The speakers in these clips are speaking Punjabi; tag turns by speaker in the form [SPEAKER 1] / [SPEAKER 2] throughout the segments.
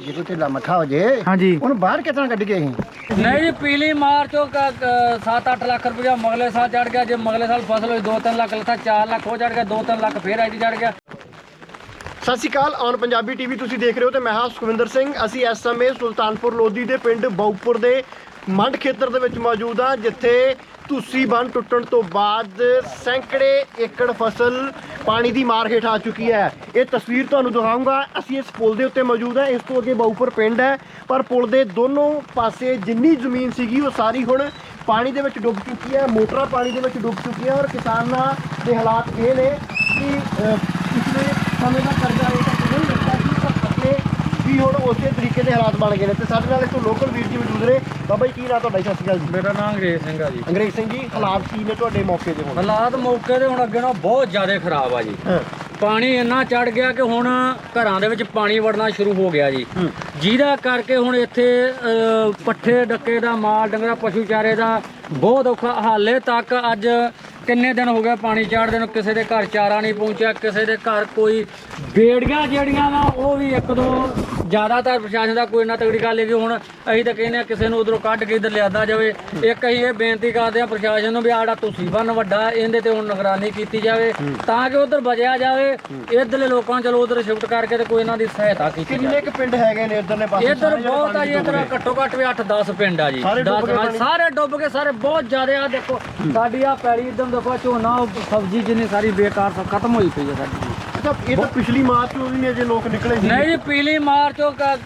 [SPEAKER 1] ਜੇ ਕੋਈ ਢਿੱਲਾ ਮੱਠਾ ਹੋ ਜੇ
[SPEAKER 2] ਹਾਂਜੀ
[SPEAKER 1] ਉਹਨੂੰ ਬਾਹਰ ਕਿਤਨਾ ਕੱਢ ਕੇ ਅਸੀਂ
[SPEAKER 3] नहीं जी पीली मार्च 7-8 लाख रुपया मगले साल चढ़ गया। जो मगले साल फसल हुई 2-3 लाख था 4 लाख हो चढ़ गया 2-3 लाख फिर आई चढ़ गया।
[SPEAKER 4] ਸਤਿ ਸ਼੍ਰੀ ਅਕਾਲ ਔਨ ਪੰਜਾਬੀ ਟੀਵੀ ਤੁਸੀਂ ਦੇਖ ਰਹੇ ਹੋ ਤੇ ਮੈਂ ਹਾਂ ਸੁਖਵਿੰਦਰ ਸਿੰਘ। ਅਸੀਂ ਇਸ ਸਮੇਂ ਸੁਲਤਾਨਪੁਰ ਲੋਧੀ ਦੇ ਪਿੰਡ ਬਾਉਪੁਰ ਦੇ ਮੰਡ ਖੇਤਰ ਦੇ ਵਿੱਚ ਮੌਜੂਦ ਹਾਂ, ਜਿੱਥੇ ਤੁਸੀਂ ਬੰਨ ਟੁੱਟਣ ਤੋਂ ਬਾਅਦ ਸੈਂਕੜੇ ਏਕੜ ਫਸਲ ਪਾਣੀ ਦੀ ਮਾਰ ਹੇਠ ਆ ਚੁੱਕੀ ਹੈ। ਇਹ ਤਸਵੀਰ ਤੁਹਾਨੂੰ ਦਿਖਾਊਂਗਾ। ਅਸੀਂ ਇਸ ਪੁਲ ਦੇ ਉੱਤੇ ਮੌਜੂਦ ਹਾਂ। ਇਸ ਤੋਂ ਅੱਗੇ ਬਾਉਪੁਰ ਪਿੰਡ ਹੈ, ਪਰ ਪੁਲ ਦੇ ਦੋਨੋਂ ਪਾਸੇ ਜਿੰਨੀ ਜ਼ਮੀਨ ਸੀਗੀ ਉਹ ਸਾਰੀ ਹੁਣ ਪਾਣੀ ਦੇ ਵਿੱਚ ਡੁੱਬ ਚੁੱਕੀ ਹੈ। ਮੋਟਰਾਂ ਪਾਣੀ ਦੇ ਵਿੱਚ ਡੁੱਬ ਚੁੱਕੀਆਂ ਔਰ ਕਿਸਾਨਾਂ ਦੇ ਹਾਲਾਤ ਇਹ ਨੇ ਕਿ ਪਿਛਲੇ ਸਮੇਂ ਦਾ ਕਰਜ਼ਾ ਇਹ ਤਾਂ ਨਹੀਂ ਲੱਗਦਾ ਕਿ ਪਰ ਫਸਲੇ ਵੀ ਹੁਣ ਉਸੇ ਤਰੀਕੇ ਦੇ ਹਾਲਾਤ ਬਣ ਗਏ ਨੇ। ਤੇ ਸਾਡੇ ਨਾਲ ਇੱਥੋਂ ਲੋਕਲ ਵੀਰ ਜੀ ਮੌਜੂਦ ਨੇ। ਬਾਬਾ ਜੀ ਕੀ ਨਾਂ ਤੁਹਾਡਾ? ਸਤਿ ਸ਼੍ਰੀ ਅਕਾਲ ਜੀ।
[SPEAKER 3] मेरा नाम अंग्रेज सिंह है जी।
[SPEAKER 4] ਅੰਗਰੇਜ਼ ਸਿੰਘ ਜੀ, ਹਾਲਾਤ ਕੀ ਨੇ ਤੁਹਾਡੇ ਮੌਕੇ ਦੇ ਹੁਣ?
[SPEAKER 3] ਹਾਲਾਤ ਮੌਕੇ ਦੇ ਹੁਣ ਅੱਗੇ ਨਾਲੋਂ ਬਹੁਤ ਜ਼ਿਆਦਾ ਖਰਾਬ ਆ ਜੀ। ਪਾਣੀ ਇੰਨਾ ਚੜ ਗਿਆ ਕਿ ਹੁਣ ਘਰਾਂ ਦੇ ਵਿੱਚ ਪਾਣੀ ਵੜਨਾ ਸ਼ੁਰੂ ਹੋ ਗਿਆ ਜੀ, ਜਿਹਦਾ ਕਰਕੇ ਹੁਣ ਇੱਥੇ ਪੱਠੇ ਡੱਕੇ ਦਾ ਮਾਲ ਡੰਗਰਾ ਪਸ਼ੂ ਚਾਰੇ ਦਾ ਬਹੁਤ ਔਖਾ। ਹਾਲੇ ਤੱਕ ਅੱਜ ਕਿੰਨੇ ਦਿਨ ਹੋ ਗਏ ਪਾਣੀ ਚੜ੍ਹਦੇ ਨੂੰ, ਕਿਸੇ ਦੇ ਘਰ ਚਾਰਾ ਨਹੀਂ ਪਹੁੰਚਿਆ, ਕਿਸੇ ਦੇ ਘਰ ਕੋਈ ਬੇੜੀਆਂ ਜਿਹੜੀਆਂ ਵਾ ਉਹ ਵੀ ਇੱਕ ਦੋ ਜ਼ਿਆਦਾਤਰ ਪ੍ਰਸ਼ਾਸਨ ਦਾ ਕੋਈ ਨਾ ਤਗੜੀ ਗੱਲ ਹੈ ਕਿ ਹੁਣ ਅਸੀਂ ਤਾਂ ਕਹਿੰਦੇ ਆ ਕਿਸੇ ਨੂੰ ਉਧਰੋਂ ਕੱਢ ਕੇ ਇੱਧਰ ਲਿਆਦਾ ਜਾਵੇ। ਇੱਕ ਅਸੀਂ ਇਹ ਬੇਨਤੀ ਕਰਦੇ ਆ ਪ੍ਰਸ਼ਾਸਨ ਨੂੰ ਵੀ ਆੜਾ ਤੁਸੀਂ ਬੰਨ ਵੱਡਾ ਇਹਦੇ ਤੇ ਹੁਣ ਨਿਗਰਾਨੀ ਕੀਤੀ ਜਾਵੇ ਤਾਂ ਕਿ ਉਧਰ ਬਚਿਆ ਜਾਵੇ। ਇੱਧਰਲੇ ਲੋਕਾਂ ਨੂੰ ਚਲੋ ਉਧਰ ਸ਼ਿਫਟ ਕਰਕੇ ਤੇ ਕੋਈ ਇਹਨਾਂ ਦੀ ਸਹਾਇਤਾ ਕੀਤੀ ਜਾਵੇ।
[SPEAKER 4] ਕਿੰਨੇ ਕੁ ਪਿੰਡ ਹੈਗੇ ਨੇ ਇੱਧਰਲੇ ਪਾਸੇ?
[SPEAKER 3] ਇੱਧਰ ਬਹੁਤ ਆ ਜੀ, ਇੱਧਰ ਘੱਟੋ ਘੱਟ ਵੀ 8-10 ਪਿੰਡ ਆ ਜੀ। ਸਾਰੇ ਡੁੱਬ ਗਏ, ਸਾਰੇ ਬਹੁਤ ਜ਼ਿਆਦਾ। ਆ ਦੇਖੋ ਸਾਡੀ ਆ ਪੈਲੀ ਇੱਧਰ ਦੇਖੋ ਝੋਨਾ ਸਬਜ਼ੀ ਜਿੰਨੀ ਸਾਰੀ ਬੇਕਾਰ ਸਭ ਖਤਮ ਹੋਈ ਪਈ ਹੈ ਸਾਡੀ।
[SPEAKER 4] ਅੱਛਾ, ਇਹ ਤਾਂ ਪਿਛਲੀ ਮਾਰਚ ਤੋਂ ਵੀ ਨੇ ਜੇ ਲੋਕ ਨਿਕਲੇ ਸੀ।
[SPEAKER 3] नहीं जी पीली मार्च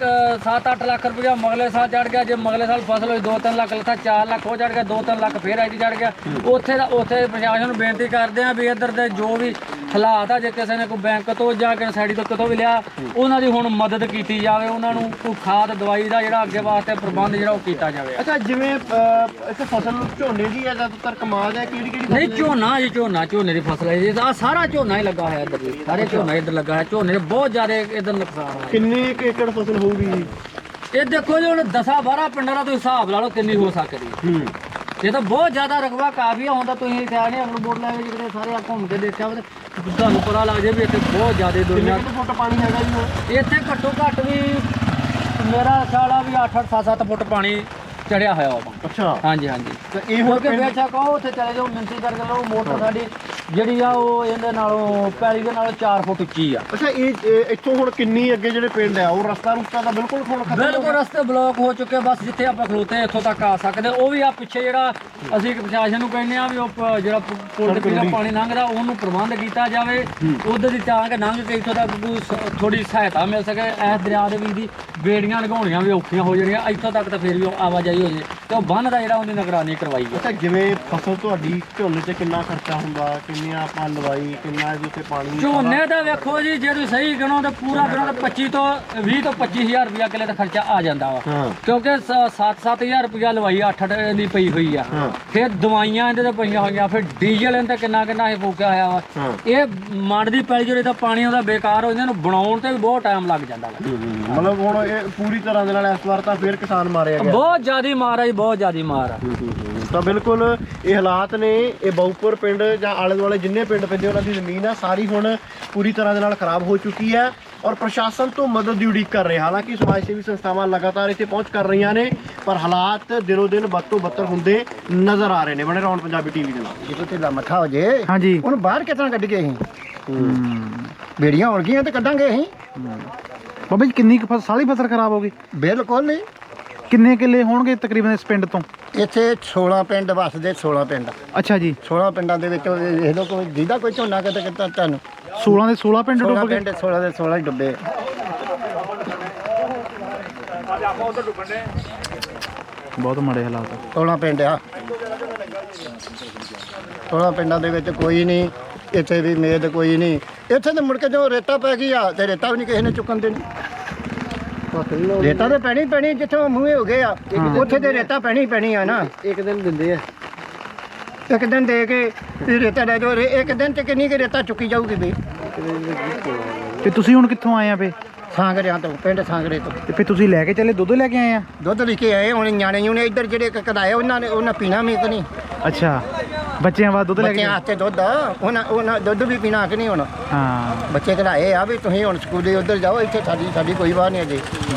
[SPEAKER 3] 7-8 लाख रुपया मगले साल चढ़ गया। जो मगले साल फसल हुई 2-3 लाख था 4 लाख हो चढ़ गया 2-3 लाख फिर आई चढ़ गया। ਉੱਥੇ ਪ੍ਰਸ਼ਾਸਨ ਨੂੰ ਬੇਨਤੀ ਕਰਦੇ ਆ ਵੀ ਇੱਧਰ ਦੇ ਜੋ ਵੀ ਹਾਲਾਤ ਆ, ਜੇ ਕਿਸੇ ਨੇ ਕੋਈ ਬੈਂਕ ਤੋਂ ਜਾਂ ਕਿਸੇ ਸਾਈਡ ਤੋਂ ਕਿਤੋਂ ਵੀ ਲਿਆ ਉਹਨਾਂ ਦੀ ਹੁਣ ਮਦਦ ਕੀਤੀ ਜਾਵੇ। ਉਹਨਾਂ ਨੂੰ ਕੋਈ ਖਾਦ ਦਵਾਈ ਦਾ ਜਿਹੜਾ ਅੱਗੇ ਵਾਸਤੇ ਪ੍ਰਬੰਧ ਜਿਹੜਾ ਉਹ ਕੀਤਾ ਜਾਵੇ।
[SPEAKER 4] ਅੱਛਾ, ਜਿਵੇਂ ਇੱਥੇ ਫਸਲ ਝੋਨੇ ਦੀ ਹੈ ਜ਼ਿਆਦਾਤਰ ਕਮਾਦ ਹੈ, ਕਿਹੜੀ ਕਿਹੜੀ
[SPEAKER 3] ਨਹੀਂ ਝੋਨਾ ਜੀ, ਝੋਨੇ ਦੀ ਫਸਲ ਹੈ ਜੀ। ਆ ਸਾਰਾ ਝੋਨਾ ਹੀ ਲੱਗਾ ਹੋਇਆ ਇੱਧਰ ਜੀ, ਸਾਰੇ ਝੋਨਾ ਇੱਧਰ ਲੱਗਾ ਹੈ। ਝੋਨੇ ਦੇ ਬਹੁਤ ਜ਼ਿਆਦਾ ਇੱਧਰ ਨੁਕਸਾਨ ਹੈ।
[SPEAKER 4] ਕਿੰਨੇ ਕੁ ਏਕੜ ਫਸਲ ਹੋਊਗੀ ਜੀ?
[SPEAKER 3] ਇਹ ਦੇਖੋ ਜੀ ਹੁਣ 10-12 ਪਿੰਡਾਂ ਦਾ ਤੁਸੀਂ ਹਿਸਾਬ ਲਾ ਲਓ ਕਿੰਨੀ ਹੋ ਸਕਦੀ ਹੈ। ਇਹ ਤਾਂ ਬਹੁਤ ਜ਼ਿਆਦਾ ਰਕਬਾ ਕਾਫੀ ਹੁੰਦਾ। ਤੁਸੀਂ ਖਿਆਲ ਨਹੀਂ ਅਗਲ ਬੋਰਡ ਲੈ ਕੇ ਜਿਹੜੇ ਸਾਰੇ ਆ ਘੁੰਮ ਕੇ ਦੇਖਿਆ ਤੁਹਾਨੂੰ ਪਤਾ ਲੱਗ ਜਾਏ ਵੀ ਇੱਥੇ ਬਹੁਤ ਜ਼ਿਆਦਾ ਦੁਨੀਆ।
[SPEAKER 4] ਕਿੰਨੇ ਫੁੱਟ ਪਾਣੀ ਹੈਗਾ ਜੀ ਹੁਣ?
[SPEAKER 3] ਇੱਥੇ ਘੱਟੋ ਘੱਟ ਵੀ ਮੇਰਾ ਖਿਆਲ ਆ ਵੀ 8-8 7-7 ਫੁੱਟ ਪਾਣੀ ਚੜਿਆ ਹੋਇਆ ਵਾ।
[SPEAKER 4] ਅੱਛਾ,
[SPEAKER 3] ਹਾਂਜੀ ਹਾਂਜੀ।
[SPEAKER 4] ਤੇ ਇਹ ਹੁਣ
[SPEAKER 3] ਕਿਉਂਕਿ ਬੇਸ਼ੱਕ ਉਹ ਉੱਥੇ ਚਲੇ ਜਾਓ ਮਿੰਤੀ ਕਰਕੇ ਲਓ, ਮੋਟਰ ਸਾਡੀ ਜਿਹੜੀ ਆ ਉਹ ਇਹਦੇ ਨਾਲੋਂ ਪੈਲੀ ਦੇ ਨਾਲੋਂ 4 ਫੁੱਟ ਉੱਚੀ ਆ।
[SPEAKER 4] ਅੱਛਾ, ਇਹ ਇੱਥੋਂ ਹੁਣ ਕਿੰਨੀ ਅੱਗੇ ਜਿਹੜੇ ਪਿੰਡ ਆ ਉਹ ਰਸਤਾ ਤਾਂ ਬਿਲਕੁਲ ਹੁਣ ਖਤਮ ਹੋ
[SPEAKER 3] ਬਿਲਕੁਲ
[SPEAKER 4] ਗਿਆ?
[SPEAKER 3] ਰਸਤੇ ਬਲੌਕ ਹੋ ਚੁੱਕੇ। ਬਸ ਜਿੱਥੇ ਆਪਾਂ ਖਲੋਤੇ ਇੱਥੋਂ ਤੱਕ ਆ ਸਕਦੇ। ਉਹ ਵੀ ਆ ਪਿੱਛੇ ਜਿਹੜਾ ਅਸੀਂ ਪ੍ਰਸ਼ਾਸਨ ਨੂੰ ਕਹਿੰਦੇ ਆ ਵੀ ਉਹ ਜਿਹੜਾ ਪੁਲ ਦੇ ਪਿੱਛੇ ਪਾਣੀ ਲੰਘਦਾ ਉਹਨੂੰ ਪ੍ਰਬੰਧ ਕੀਤਾ ਜਾਵੇ। ਉਧਰ ਦੀ ਤਾਂ ਕਿ ਲੰਘ ਕੇ ਇੱਥੋਂ ਤੱਕ ਥੋੜੀ ਸਹਾਇਤਾ ਮਿਲ ਸਕੇ। ਇਸ ਦਰਿਆ ਦੇ ਵਿੱਚ ਦੀ ਬੇੜੀਆਂ ਲਗਾਉਣੀਆਂ ਵੀ ਔਖੀਆਂ ਹੋ ਜਾਣੀਆਂ। ਇੱਥੋਂ ਤੱਕ ਤਾਂ ਫਿਰ ਵੀ ਆਵਾਜਾਈ ਹੋ ਜੇ ਤੇ ਉਹ ਬੰਨ ਦਾ ਜਿਹੜਾ ਉਹਦੀ ਨਿਗਰਾਨੀ ਕਰਵਾਈ ਹੈ।
[SPEAKER 4] ਅੱਛਾ, ਜਿਵੇਂ ਫਸਲ ਤੁਹਾਡੀ ਝੋਨੇ ਤੇ ਕਿੰਨਾ ਖਰਚਾ ਹੁੰਦਾ, ਕਿੰਨੀਆਂ ਆਪਾਂ ਲਵਾਈ, ਕਿੰਨਾ ਇਹਦੇ ਉੱਤੇ ਪਾਣੀ?
[SPEAKER 3] ਝੋਨੇ ਦਾ ਵੇਖੋ ਜੀ, ਜੇ ਤੁਸੀਂ ਸਹੀ ਗਿਣੋ ਤਾਂ ਪੂਰਾ ਗਿਣੋ ਤਾਂ 25 ਤੋਂ 20 ਤੋਂ 25000 ਰੁਪਇਆ ਕਿੱਲੇ ਦਾ ਖਰਚਾ ਆ ਜਾਂਦਾ ਵਾ। ਕਿਉਂਕਿ 7-7000 ਰੁਪਇਆ ਲਵਾਈ 8 ਦੀ ਪਈ ਹੋਈ ਆ। ਫਿਰ ਦਵਾਈਆਂ ਇਹਦੇ ਤੇ ਪਈਆਂ ਹੋਈਆਂ, ਫਿਰ ਡੀਜ਼ਲ ਇਹਦੇ ਕਿੰਨਾ ਇਹ ਫੂਕਿਆ ਹੋਇਆ ਵਾ। ਇਹ ਮੰਡ ਦੀ ਪੈਲੀ ਜਿਹੜੇ ਤਾਂ ਪਾਣੀ ਉਹਦਾ ਬੇਕਾਰ ਹੋ ਜਾਂਦਾ, ਇਹਨੂੰ ਬਣਾਉਣ ਤੇ ਵੀ ਬਹੁਤ ਟਾਈਮ ਲੱਗ ਜਾਂਦਾ ਵਾ।
[SPEAKER 4] ਮਤਲਬ ਹੁਣ ਇਹ ਪੂਰੀ ਤਰ੍ਹਾਂ ਦੇ ਨਾਲ ਇਸ ਵਾਰ ਤਾਂ ਫਿਰ ਕਿਸਾਨ ਮਾਰਿਆ ਗਿਆ।
[SPEAKER 3] ਬਹੁਤ ਜ਼ਿਆਦਾ ਮਾਰ ਆ ਜੀ, ਬਹੁਤ ਜ਼ਿਆਦਾ ਮਾਰ ਆ।
[SPEAKER 4] ਤਾਂ ਬਿਲਕੁਲ ਇਹ ਹਾਲਾਤ ਨੇ। ਇਹ ਬਾਉਪੁਰ ਪਿੰਡ ਜਾਂ ਆਲੇ ਦੁਆਲੇ ਜਿੰਨੇ ਪਿੰਡ ਪੈਂਦੇ ਉਹਨਾਂ ਦੀ ਜ਼ਮੀਨ ਆ ਸਾਰੀ ਹੁਣ ਪੂਰੀ ਤਰ੍ਹਾਂ ਦੇ ਨਾਲ ਖਰਾਬ ਹੋ ਚੁੱਕੀ ਹੈ ਔਰ ਪ੍ਰਸ਼ਾਸਨ ਤੋਂ ਮਦਦ ਦੀ ਉਡੀਕ ਕਰ ਰਹੇ। ਹਾਲਾਂਕਿ ਸਮਾਜ ਸੇਵੀ ਸੰਸਥਾਵਾਂ ਲਗਾਤਾਰ ਇੱਥੇ ਪਹੁੰਚ ਕਰ ਰਹੀਆਂ ਨੇ, ਪਰ ਹਾਲਾਤ ਦਿਨੋਂ ਦਿਨ ਬਦ ਤੋਂ ਬੱਤਰ ਹੁੰਦੇ ਨਜ਼ਰ ਆ ਰਹੇ ਨੇ। ਬਣੇ ਰਹੋ ਪੰਜਾਬੀ ਟੀਵੀ ਦੇ ਨਾਲ।
[SPEAKER 1] ਜੇ ਕੋਈ ਢਿੱਲਾ ਮੱਠਾ ਹੋ ਜੇ
[SPEAKER 2] ਹਾਂਜੀ
[SPEAKER 1] ਉਹਨੂੰ ਬਾਹਰ ਕਿਤਨਾ ਕੱਢ ਕੇ ਅਸੀਂ ਬੇੜੀਆਂ ਹੋਣਗੀਆਂ ਤੇ ਕੱਢਾਂਗੇ ਅਸੀਂ।
[SPEAKER 2] ਬਾਬਾ ਜੀ ਕਿੰਨੀ ਕੁ ਸਾਰੀ ਫਸਲ ਖਰਾਬ ਹੋ ਗਈ?
[SPEAKER 1] ਬਿਲਕੁਲ ਨਹੀਂ।
[SPEAKER 2] ਕਿੰਨੇ ਕਿੱਲੇ ਹੋਣਗੇ ਤਕਰੀਬਨ ਇਸ ਪਿੰਡ ਤੋਂ?
[SPEAKER 1] ਇੱਥੇ 16 ਪਿੰਡ ਵਸਦੇ, 16 ਪਿੰਡ।
[SPEAKER 2] ਅੱਛਾ ਜੀ,
[SPEAKER 1] 16 ਪਿੰਡਾਂ ਦੇ ਵਿੱਚ ਵੇਖ ਲਓ ਕੋਈ ਜਿਹਦਾ ਕੋਈ ਝੋਨਾ ਕਿਤੇ ਕਿਤਾ ਤੁਹਾਨੂੰ
[SPEAKER 2] 16 ਦੇ 16 ਪਿੰਡ
[SPEAKER 1] 16
[SPEAKER 2] ਡੁੱਬ ਗਏ।
[SPEAKER 1] ਪਿੰਡ 16 ਦੇ 16 ਹੀ ਡੁੱਬੇ।
[SPEAKER 2] ਬਹੁਤ ਮਾੜੇ ਹਾਲਾਤ ਆ।
[SPEAKER 1] 16 ਪਿੰਡ ਆ। 16 ਪਿੰਡਾਂ ਦੇ ਵਿੱਚ ਕੋਈ ਨਹੀਂ, ਇੱਥੇ ਵੀ ਮੇਦ ਕੋਈ ਨਹੀਂ। ਇੱਥੇ ਤੇ ਮੁੜ ਕੇ ਜਦੋਂ ਰੇਤਾ ਪੈ ਗਈ ਆ ਤੇ ਰੇਤਾ ਵੀ ਨਹੀਂ ਕਿਸੇ ਨੇ ਚੁੱਕਣ ਦੇਣੀ। ਰੇਤਾ ਤਾਂ ਪੈਣੀ ਜਿੱਥੋਂ ਮੂਹੇ ਹੋ ਗਏ ਆ, ਉੱਥੇ ਤੇ ਰੇਤਾ ਪੈਣੀ ਆ ਨਾ।
[SPEAKER 4] ਇੱਕ ਦਿਨ ਦਿੰਦੇ ਆ,
[SPEAKER 1] ਇੱਕ ਦਿਨ ਦੇ ਕੇ ਤੇ ਰੇਤਾ ਲੈ ਜਾਓ। ਇੱਕ ਦਿਨ ਤੇ ਕਿੰਨੀ ਕੁ ਰੇਤਾ ਚੁੱਕੀ ਜਾਊਗੀ ਵੀ?
[SPEAKER 2] ਤੇ ਤੁਸੀਂ ਹੁਣ ਕਿੱਥੋਂ ਆਏ ਆ ਫੇ?
[SPEAKER 1] ਸਾਂਗਰਿਆਂ ਤੋਂ, ਪਿੰਡ ਸਾਂਗਰੇ ਤੋਂ।
[SPEAKER 2] ਤੇ ਫੇ ਤੁਸੀਂ ਲੈ ਕੇ ਚੱਲੇ ਦੁੱਧ ਲੈ ਕੇ ਆਏ ਆ?
[SPEAKER 1] ਦੁੱਧ ਲੈ ਕੇ ਆਏ। ਹੁਣ ਨਿਆਣੇ ਨੇ ਇੱਧਰ ਜਿਹੜੇ ਕਦਾਏ ਉਹਨਾਂ ਪੀਣਾ ਵੀ ਕਿ ਨਹੀਂ।
[SPEAKER 2] ਅੱਛਾ, ਬੱਚਿਆਂ ਵਾਸਤੇ ਦੁੱਧ ਲੈ ਕੇ
[SPEAKER 1] ਬੱਚਿਆਂ ਵਾਸਤੇ ਦੁੱਧ ਆ, ਉਹਨਾਂ ਦੁੱਧ ਵੀ ਪੀਣਾ ਕਿ ਨਹੀਂ ਹੁਣ
[SPEAKER 2] ਹਾਂ।
[SPEAKER 1] ਬੱਚੇ ਘਲਾਏ ਆ ਵੀ ਤੁਸੀਂ ਹੁਣ ਸਕੂਲੇ ਉੱਧਰ ਜਾਓ, ਇੱਥੇ ਸਾਡੀ ਕੋਈ ਬਾਤ ਨਹੀਂ ਅਜੇ।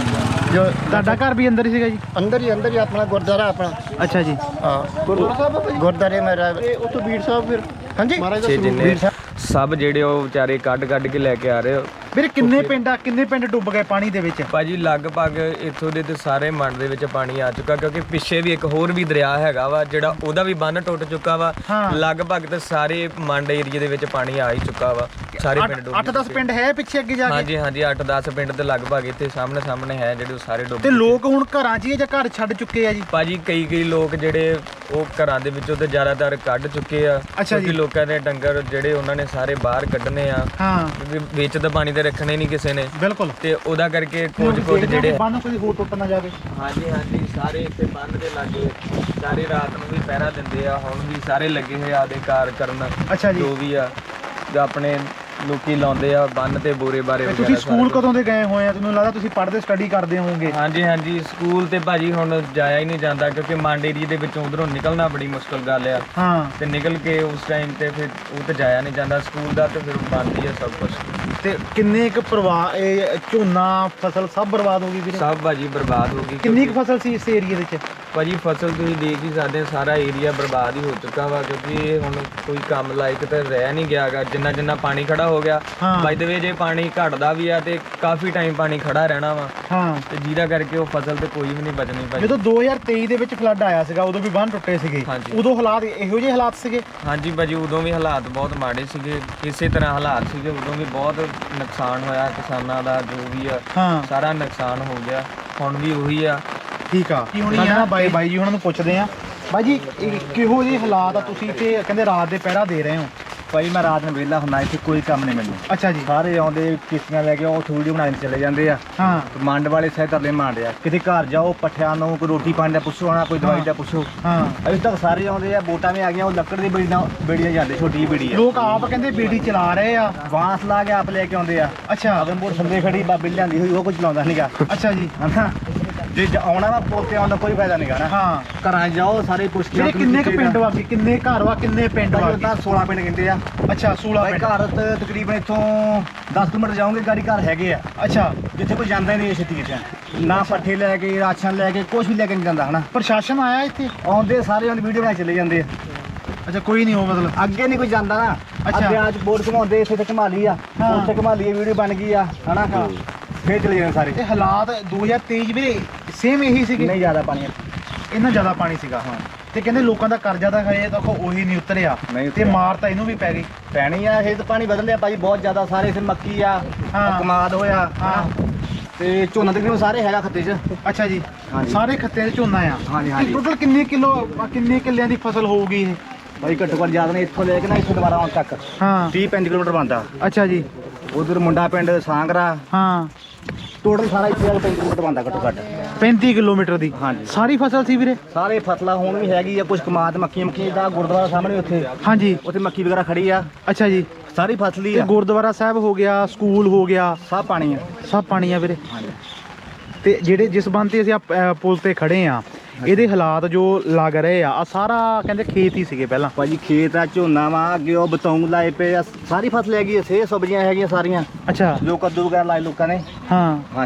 [SPEAKER 1] ਜੋ
[SPEAKER 2] ਤੁਹਾਡਾ ਘਰ ਵੀ ਅੰਦਰ ਹੀ ਸੀਗਾ ਜੀ?
[SPEAKER 1] ਅੰਦਰ ਹੀ ਆਪਣਾ ਗੁਰਦੁਆਰਾ ਆਪਣਾ।
[SPEAKER 2] ਅੱਛਾ ਜੀ।
[SPEAKER 1] ਹਾਂ
[SPEAKER 4] ਗੁਰਦੁਆਰਾ ਸਾਹਿਬ ਬਾਬਾ ਜੀ
[SPEAKER 1] ਗੁਰਦੁਆਰੇ ਮੇਰਾ।
[SPEAKER 4] ਇਹ ਉੱਥੋਂ ਬੀੜ ਸਾਹਿਬ ਫਿਰ
[SPEAKER 1] ਹਾਂਜੀ
[SPEAKER 4] ਮਹਾਰਾਜ ਦਾ
[SPEAKER 5] ਛੇ
[SPEAKER 4] ਸਰੂਪ।
[SPEAKER 5] ਜਿੰਨੇ ਸਭ ਜਿਹੜੇ ਉਹ ਵਿਚਾਰੇ ਕੱਢ ਕੇ ਲੈ ਕੇ ਆ ਰਹੇ ਹੋ।
[SPEAKER 2] ਵੀਰੇ ਕਿੰਨੇ ਪਿੰਡ ਡੁੱਬ ਗਏ ਪਾਣੀ ਦੇ ਵਿੱਚ?
[SPEAKER 5] ਭਾਜੀ ਲਗਭਗ ਇੱਥੋਂ ਦੇ ਤੇ ਸਾਰੇ ਮੰਡ ਦੇ ਵਿੱਚ ਪਾਣੀ ਆ ਚੁੱਕਾ, ਕਿਉਂਕਿ ਪਿੱਛੇ ਵੀ ਇੱਕ ਹੋਰ ਵੀ ਦਰਿਆ ਹੈਗਾ ਵਾ ਜਿਹੜਾ ਉਹਦਾ ਵੀ ਬੰਨ ਟੁੱਟ ਚੁੱਕਾ ਵਾ।
[SPEAKER 2] ਹਾਂ।
[SPEAKER 5] ਲਗਭਗ ਤੇ ਸਾਰੇ ਮੰਡ ਏਰੀਏ ਦੇ ਵਿੱਚ ਪਾਣੀ ਆ ਹੀ ਚੁੱਕਾ ਵਾ, ਸਾਰੇ ਪਿੰਡ ਡੁੱਬ
[SPEAKER 2] 8-10 ਪਿੰਡ ਹੈ ਪਿੱਛੇ ਅੱਗੇ ਜਾ ਕੇ?
[SPEAKER 5] ਹਾਂਜੀ 8-10 ਪਿੰਡ ਤੇ ਲਗਭਗ ਇੱਥੇ ਸਾਹਮਣੇ ਹੈ ਜਿਹੜੇ ਉਹ ਸਾਰੇ ਡੁੱਬ
[SPEAKER 2] ਤੇ
[SPEAKER 5] ਚੁੱਕੇ।
[SPEAKER 2] ਲੋਕ ਹੁਣ ਘਰਾਂ 'ਚ ਹੀ ਆ ਜਾਂ ਘਰ ਛੱਡ ਚੁੱਕੇ ਆ ਜੀ?
[SPEAKER 5] ਭਾਜੀ ਕਈ ਲੋਕ ਜਿਹੜੇ ਉਹ ਘਰਾਂ ਦੇ ਵਿੱਚੋਂ ਤੇ ਜ਼ਿਆਦਾਤਰ ਕੱਢ ਚੁੱਕੇ ਆ,
[SPEAKER 2] ਅੱਛਾ ਜੀ।
[SPEAKER 5] ਕਿਉਂਕਿ ਲੋਕਾਂ ਦੇ ਡੰਗਰ ਜਿਹੜੇ ਉਹਨਾਂ ਨੇ ਸਾਰੇ ਬਾਹਰ ਕੱਢਣੇ ਆ,
[SPEAKER 2] ਹਾਂ
[SPEAKER 5] ਕਿਉਂਕਿ ਵਿੱਚ ਤਾਂ ਪਾਣੀ ਤੇ ਰੱਖਣੇ ਨਹੀਂ ਕਿਸੇ ਨੇ,
[SPEAKER 2] ਬਿਲਕੁਲ।
[SPEAKER 5] ਤੇ ਉਹਦਾ ਕਰਕੇ ਕੁਝ ਜਿਹੜੇ
[SPEAKER 2] ਬੰਨ ਕੋਈ ਹੋਰ ਟੁੱਟ ਨਾ ਜਾਵੇ।
[SPEAKER 5] ਹਾਂਜੀ ਸਾਰੇ ਇੱਥੇ ਬੰਨ ਦੇ ਲਾਗੇ ਸਾਰੇ ਰਾਤ ਨੂੰ ਵੀ ਪਹਿਰਾ ਦਿੰਦੇ ਆ, ਹੁਣ ਵੀ ਸਾਰੇ ਲੱਗੇ ਹੋਏ ਆਦੇ ਕਾਰ ਕਰਨ।
[SPEAKER 2] ਅੱਛਾ ਜੀ।
[SPEAKER 5] ਜੋ ਵੀ ਆ ਜੋ ਆਪਣੇ ਲੋਕੀ ਲਾਉਂਦੇ ਆ ਬੰਨ ਤੇ ਬੋਰੇ ਬਾਰੇ
[SPEAKER 2] ਤੇ
[SPEAKER 5] ਵਗੈਰਾ।
[SPEAKER 2] ਤੁਸੀਂ ਸਕੂਲ ਕਦੋਂ ਦੇ ਗਏ ਹੋਏ ਆ? ਤੁਹਾਨੂੰ ਲੱਗਦਾ ਤੁਸੀਂ ਪੜ੍ਹਦੇ ਸਟੱਡੀ ਕਰਦੇ ਹੋਵੋਗੇ।
[SPEAKER 5] ਹਾਂਜੀ ਸਕੂਲ ਤੇ ਭਾਜੀ ਹੁਣ ਜਾਇਆ ਹੀ ਨਹੀਂ ਜਾਂਦਾ, ਕਿਉਂਕਿ ਮੰਡ ਏਰੀਏ ਦੇ ਵਿੱਚੋਂ ਉਧਰੋਂ ਨਿਕਲਣਾ ਬੜੀ ਮੁਸ਼ਕਲ ਗੱਲ ਆ।
[SPEAKER 2] ਹਾਂ।
[SPEAKER 5] ਤੇ ਨਿਕਲ ਕੇ ਉਸ ਟਾਈਮ ਤੇ ਫਿਰ ਉਹ ਤੇ ਜਾਇਆ ਨਹੀਂ ਜਾਂਦਾ ਸਕੂਲ ਦਾ, ਤੇ ਫਿਰ ਬੰਦ ਹੀ ਆ ਸਭ ਕੁਝ।
[SPEAKER 2] ਤੇ ਕਿੰਨੇ ਕੁ ਇਹ ਝੋਨਾ ਫਸਲ ਸਭ ਬਰਬਾਦ ਹੋ ਗਈ ਵੀਰੇ?
[SPEAKER 5] ਸਭ ਭਾਜੀ ਬਰਬਾਦ ਹੋ ਗਈ।
[SPEAKER 2] ਕਿੰਨੀ ਕੁ ਫਸਲ ਸੀ ਇਸ ਏਰੀਏ ਦੇ ਵਿੱਚ?
[SPEAKER 5] ਭਾਜੀ ਫਸਲ ਤੁਸੀਂ ਦੇਖ ਹੀ ਸਕਦੇ ਹੋ, ਸਾਰਾ ਏਰੀਆ ਬਰਬਾਦ ਹੀ ਹੋ ਚੁੱਕਾ ਵਾ, ਕਿਉਂਕਿ ਇਹ ਹੁਣ ਕੋਈ ਕੰਮ ਲਾਇਕ ਤਾਂ ਰਹਿ ਨਹੀਂ ਗਿਆਗਾ। ਜਿੰਨਾ ਪਾਣੀ ਖੜਾ ਹੋ ਗਿਆ,
[SPEAKER 2] ਹਾਂ।
[SPEAKER 5] ਬਾਈ ਦ ਵੇ ਜੇ ਪਾਣੀ ਘਟਦਾ ਵੀ ਆ ਤੇ ਕਾਫੀ ਟਾਈਮ ਪਾਣੀ ਖੜਾ ਰਹਿਣਾ ਵਾ,
[SPEAKER 2] ਹਾਂ।
[SPEAKER 5] ਤੇ ਜਿਹਦਾ ਕਰਕੇ ਉਹ ਫਸਲ ਤੇ ਕੋਈ ਵੀ ਨਹੀਂ ਬਚਣੀ ਭਾਜੀ।
[SPEAKER 2] ਜਦੋਂ 2023 ਦੇ ਵਿੱਚ ਫਲੱਡ ਆਇਆ ਸੀਗਾ ਉਦੋਂ ਵੀ ਬੰਨ ਟੁੱਟੇ ਸੀਗੇ,
[SPEAKER 5] ਹਾਂਜੀ।
[SPEAKER 2] ਉਦੋਂ ਹਾਲਾਤ ਇਹੋ ਜਿਹੇ ਹਾਲਾਤ ਸੀਗੇ?
[SPEAKER 5] ਹਾਂਜੀ ਭਾਜੀ ਉਦੋਂ ਵੀ ਹਾਲਾਤ ਬਹੁਤ ਮਾੜੇ ਸੀਗੇ, ਇਸੇ ਤਰ੍ਹਾਂ ਹਾਲਾਤ ਸੀਗੇ ਉਦੋਂ ਵੀ। ਬਹੁਤ ਨੁਕਸਾਨ ਹੋਇਆ ਕਿਸਾਨਾਂ ਦਾ, ਜੋ ਵੀ ਆ
[SPEAKER 2] ਹਾਂ।
[SPEAKER 5] ਸਾਰਾ ਨੁਕਸਾਨ ਹੋ ਗਿਆ। ਹੁਣ ਵੀ ਉਹੀ ਆ।
[SPEAKER 2] ਠੀਕ ਆ। ਕੀ ਹੋਣੀ ਆ ਬਾਈ ਜੀ ਉਹਨਾਂ ਨੂੰ ਪੁੱਛਦੇ ਆ। ਬਾਈ ਜੀ ਕਿਹੋ ਜਿਹੇ ਹਾਲਾਤ ਆ? ਤੁਸੀਂ ਇੱਥੇ ਕਹਿੰਦੇ ਰਾਤ ਦੇ ਪਹਿਰਾ ਦੇ ਰਹੇ ਹੋ?
[SPEAKER 6] ਭਾਈ ਮੈਂ ਰਾਤ ਨੂੰ ਵਿਹਲਾ ਹੁੰਦਾ, ਇੱਥੇ ਕੋਈ ਕੰਮ ਨਹੀਂ ਮੈਨੂੰ।
[SPEAKER 2] ਅੱਛਾ ਜੀ।
[SPEAKER 6] ਸਾਰੇ ਆਉਂਦੇ ਕਿਸ਼ਤੀਆਂ ਲੈ ਕੇ ਉਹ ਵੀਡੀਓ ਬਣਾਉਣ ਚਲੇ ਜਾਂਦੇ ਆ।
[SPEAKER 2] ਹਾਂ।
[SPEAKER 6] ਮੰਡ ਵਾਲੇ ਸਹਿ ਤਰਲੇ ਮਾਰਦੇ ਆ, ਕਿਤੇ ਘਰ ਜਾਓ ਪੱਠਿਆਂ ਨੂੰ ਕੋਈ ਰੋਟੀ ਪਾਣੀ ਦਾ ਪੁੱਛੋ, ਆਣਾ ਕੋਈ ਦਵਾਈ ਦਾ ਪੁੱਛੋ।
[SPEAKER 2] ਹਾਂ।
[SPEAKER 6] ਅਜੇ ਤੱਕ ਸਾਰੇ ਆਉਂਦੇ ਆ, ਬੋਟਾਂ ਵੀ ਆ ਗਈਆਂ, ਉਹ ਲੱਕੜ ਦੀ ਬੇੜੀਆਂ ਜਾਂਦੇ, ਛੋਟੀ ਜਿਹੀ ਬੇੜੀ ਆ।
[SPEAKER 2] ਲੋਕ ਆਪ ਕਹਿੰਦੇ ਬੀੜੀ ਚਲਾ ਰਹੇ ਆ,
[SPEAKER 6] ਬਾਂਸ ਲਾ ਕੇ ਆਪ ਲੈ ਕੇ ਆਉਂਦੇ ਆ।
[SPEAKER 2] ਅੱਛਾ।
[SPEAKER 6] ਅਗੰਬੋਰ ਸੰਦੇ ਖੜੀ ਬਾਬੇ ਲਿਆਂਦੀ ਹੋਈ, ਉਹ ਕੁਝ ਲਾਉਂਦਾ ਨਹੀਂਗਾ।
[SPEAKER 2] ਅੱਛਾ ਜੀ।
[SPEAKER 6] ਹਨਾ ਜੇ ਆਉਣਾ ਵਾ ਪੁੱਲ ਤੇ ਆਉਣ ਦਾ ਕੋਈ ਫਾਇਦਾ ਨਹੀਂਗਾ ਨਾ।
[SPEAKER 2] ਹਾਂ।
[SPEAKER 6] ਘਰਾਂ ਜਾਓ ਸਾਰੇ ਪੁੱਛ ਕੇ
[SPEAKER 2] ਵੀਰੇ ਕਿੰਨੇ ਕੁ ਪਿੰਡ ਵਾ? ਕਿੰਨੇ ਘਰ ਵਾ? ਕਿੰਨੇ ਪਿੰਡ ਵਾ?
[SPEAKER 6] ਤਾਂ 16 ਪਿੰਡ ਕਹਿੰਦੇ ਆ।
[SPEAKER 2] ਅੱਛਾ 16
[SPEAKER 6] ਭਾਈ
[SPEAKER 2] ਪਿੰਡ।
[SPEAKER 6] ਘਰ ਤਕਰੀਬਨ ਇੱਥੋਂ 10 ਕਿਲੋਮੀਟਰ ਜਾਓਗੇ ਗਾੜੀ ਘਰ ਹੈਗੇ ਆ,
[SPEAKER 2] ਅੱਛਾ।
[SPEAKER 6] ਜਿੱਥੇ ਕੋਈ ਜਾਂਦਾ ਹੀ ਨਹੀਂ ਛੇਤੀ ਕਿਤੇ ਨਾ, ਪੱਠੇ ਲੈ ਕੇ ਰਾਸ਼ਨ ਲੈ ਕੇ ਕੁਝ ਵੀ ਲੈ ਕੇ ਨਹੀਂ ਜਾਂਦਾ ਹਨਾ।
[SPEAKER 2] ਪ੍ਰਸ਼ਾਸਨ ਆਇਆ ਇੱਥੇ?
[SPEAKER 6] ਆਉਂਦੇ ਸਾਰੇ ਉਹਨਾਂ ਵੀਡੀਓ ਬਣਾ ਚਲੇ ਜਾਂਦੇ ਆ,
[SPEAKER 2] ਅੱਛਾ ਕੋਈ ਨਹੀਂ ਉਹ ਮਤਲਬ
[SPEAKER 6] ਅੱਗੇ ਨਹੀਂ ਕੋਈ ਜਾਂਦਾ ਨਾ।
[SPEAKER 2] ਅੱਛਾ।
[SPEAKER 6] ਅੱਗੇ ਅੱਜ ਬੋਰਡ ਘਮਾਉਂਦੇ, ਇੱਥੇ ਤੇ ਘਮਾ ਲਈ ਆ,
[SPEAKER 2] ਹਾਂ।
[SPEAKER 6] ਉੱਥੇ ਘਮਾ ਲਈ, ਵੀਡੀਓ ਬਣ ਗਈ ਆ ਹਨਾ, ਫੇਰ ਚਲੇ ਜਾਂਦੇ ਸਾਰੇ।
[SPEAKER 2] ਇਹ ਹਾਲਾਤ 2023 ਵੀਰੇ ਸੇਮ ਇਹੀ ਸੀਗੇ?
[SPEAKER 6] ਨਹੀਂ ਜ਼ਿਆਦਾ ਪਾਣੀ
[SPEAKER 2] ਇੰਨਾ ਜ਼ਿਆਦਾ ਪਾਣੀ ਸੀਗਾ।
[SPEAKER 6] ਹਾਂ।
[SPEAKER 2] ਤੇ ਕਹਿੰਦੇ ਲੋਕਾਂ ਦਾ ਕਰਜ਼ਾ ਤਾਂ ਹਜੇ ਤੱਕ ਉਹੀ ਨਹੀਂ ਉਤਰਿਆ,
[SPEAKER 6] ਨਹੀਂ
[SPEAKER 2] ਤੇ
[SPEAKER 6] ਉਤਰਿਆ।
[SPEAKER 2] ਮਾਰ ਤਾਂ ਇਹਨੂੰ ਵੀ ਪੈ ਗਈ।
[SPEAKER 6] ਪੈਣੀ ਆ, ਇਹ ਤਾਂ ਪਾਣੀ ਬਦਲ ਲਿਆ ਭਾਜੀ ਬਹੁਤ ਜ਼ਿਆਦਾ। ਸਾਰੇ ਇੱਥੇ ਮੱਕੀ ਆ,
[SPEAKER 2] ਹਾਂ।
[SPEAKER 6] ਕਮਾਦ ਹੋਇਆ,
[SPEAKER 2] ਹਾਂ।
[SPEAKER 6] ਤੇ ਝੋਨਾ ਤਕਰੀਬਨ ਸਾਰੇ ਹੈਗਾ ਖੱਤੇ 'ਚ।
[SPEAKER 2] ਅੱਛਾ ਜੀ।
[SPEAKER 6] ਹਾਂਜੀ।
[SPEAKER 2] ਸਾਰੇ ਖੱਤੇ 'ਚ ਝੋਨਾ ਆ?
[SPEAKER 6] ਹਾਂਜੀ।
[SPEAKER 2] ਟੋਟਲ ਕਿੰਨੇ ਕਿੱਲਿਆਂ ਦੀ ਫਸਲ ਹੋਊਗੀ ਇਹ?
[SPEAKER 6] ਭਾਈ ਘੱਟੋ ਘੱਟ ਜ਼ਿਆਦਾ ਨਹੀਂ, ਇੱਥੋਂ ਲੈ ਕੇ ਨਾ ਇੱਥੋਂ ਦੁਬਾਰਾ ਆਉਣ ਤੱਕ
[SPEAKER 2] ਹਾਂ।
[SPEAKER 6] 30-35 ਕਿਲੋਮੀਟਰ ਬਣਦਾ।
[SPEAKER 2] ਅੱਛਾ ਜੀ।
[SPEAKER 6] ਉਧਰ ਮੁੰਡਾ ਪਿੰਡ ਸਾਂਗਰਾ,
[SPEAKER 2] ਹਾਂ।
[SPEAKER 6] ਟੋਟਲ ਸਾਰਾ ਇੱਥੇ 35 ਕਿਲੋਮੀਟਰ ਬਣਦਾ ਘੱਟੋ ਘੱਟ।
[SPEAKER 2] 35 ਕਿਲੋਮੀਟਰ ਦੀ
[SPEAKER 6] ਹਾਂਜੀ।
[SPEAKER 2] ਸਾਰੀ ਫਸਲ ਸੀ ਵੀਰੇ?
[SPEAKER 6] ਸਾਰੇ ਫਸਲਾਂ ਹੁਣ ਵੀ ਹੈਗੀ ਆ, ਕੁਝ ਕਮਾਦ ਮੱਕੀ ਦਾ ਗੁਰਦੁਆਰਾ ਸਾਹਮਣੇ ਉੱਥੇ
[SPEAKER 2] ਹਾਂਜੀ।
[SPEAKER 6] ਉੱਥੇ ਮੱਕੀ ਵਗੈਰਾ ਖੜੀ ਆ,
[SPEAKER 2] ਅੱਛਾ ਜੀ।
[SPEAKER 6] ਸਾਰੀ ਫਸਲ ਹੀ
[SPEAKER 2] ਤੇ
[SPEAKER 6] ਆ,
[SPEAKER 2] ਗੁਰਦੁਆਰਾ ਸਾਹਿਬ ਹੋ ਗਿਆ, ਸਕੂਲ ਹੋ ਗਿਆ,
[SPEAKER 6] ਸਭ ਪਾਣੀ ਆ।
[SPEAKER 2] ਸਭ ਪਾਣੀ ਆ ਵੀਰੇ?
[SPEAKER 6] ਹਾਂਜੀ।
[SPEAKER 2] ਤੇ ਜਿਹੜੇ ਜਿਸ ਬੰਦ ਤੇ ਅਸੀਂ ਪੁਲ ਤੇ ਖੜੇ ਆ, ਇਹਦੇ ਹਾਲਾਤ ਜੋ ਲੱਗ ਰਹੇ ਆ ਸਾਰਾ ਕਹਿੰਦੇ ਖੇਤ ਹੀ ਸੀਗੇ ਪਹਿਲਾਂ?
[SPEAKER 6] ਭਾਜੀ ਖੇਤ ਆ, ਝੋਨਾ ਵਾ, ਅੱਗੇ ਉਹ ਬਤੌਂਗ ਲਾਏ ਪਏ ਆ, ਸਾਰੀ ਫਸਲ ਹੈਗੀ ਆ, ਸੇ ਸਬਜ਼ੀਆਂ ਹੈਗੀਆਂ ਸਾਰੀਆਂ,
[SPEAKER 2] ਅੱਛਾ।
[SPEAKER 6] ਜੋ ਕੱਦੂ ਵਗੈਰਾ ਲਾਏ ਲੋਕਾਂ ਨੇ।
[SPEAKER 2] ਹਾਂ।